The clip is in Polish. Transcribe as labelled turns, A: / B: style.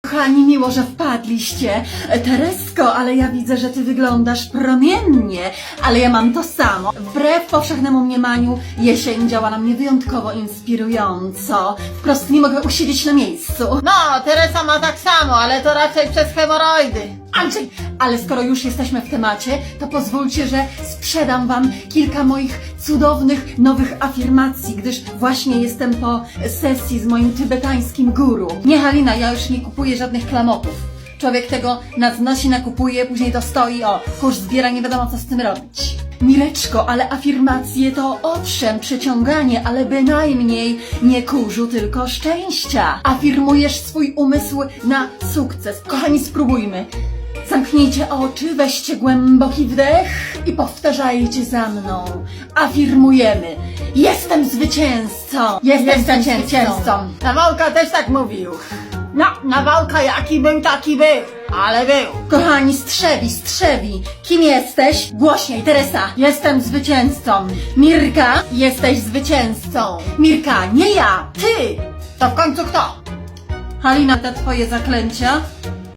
A: Kochani, miło, że wpadliście. Teresko, ale ja widzę, że ty wyglądasz promiennie, ale ja mam to samo. Wbrew powszechnemu mniemaniu, jesień działa na mnie wyjątkowo inspirująco. Wprost nie mogę usiedzieć na miejscu.
B: No, Teresa ma tak samo, ale to raczej przez hemoroidy.
A: Andrzej, ale skoro już jesteśmy w temacie, to pozwólcie, że sprzedam wam kilka moich cudownych, nowych afirmacji, gdyż właśnie jestem po sesji z moim tybetańskim guru. Nie, Halina, ja już nie kupuję żadnych klamotów. Człowiek tego nadnosi, nakupuje, później to stoi, kurz zbiera, nie wiadomo co z tym robić. Mileczko, ale afirmacje to owszem przyciąganie, ale bynajmniej nie kurzu, tylko szczęścia. Afirmujesz swój umysł na sukces. Kochani, spróbujmy. Zamknijcie oczy, weźcie głęboki wdech i powtarzajcie za mną. Afirmujemy. Jestem zwycięzcą. Jestem zwycięzcą.
B: Nawałka też tak mówił. No, Nawałka jaki był, taki był. Ale był.
A: Kochani, strzewi. Kim jesteś? Głośniej, Teresa. Jestem zwycięzcą. Mirka, jesteś zwycięzcą. Mirka, nie ja, ty.
B: To w końcu kto?
A: Halina, te twoje zaklęcia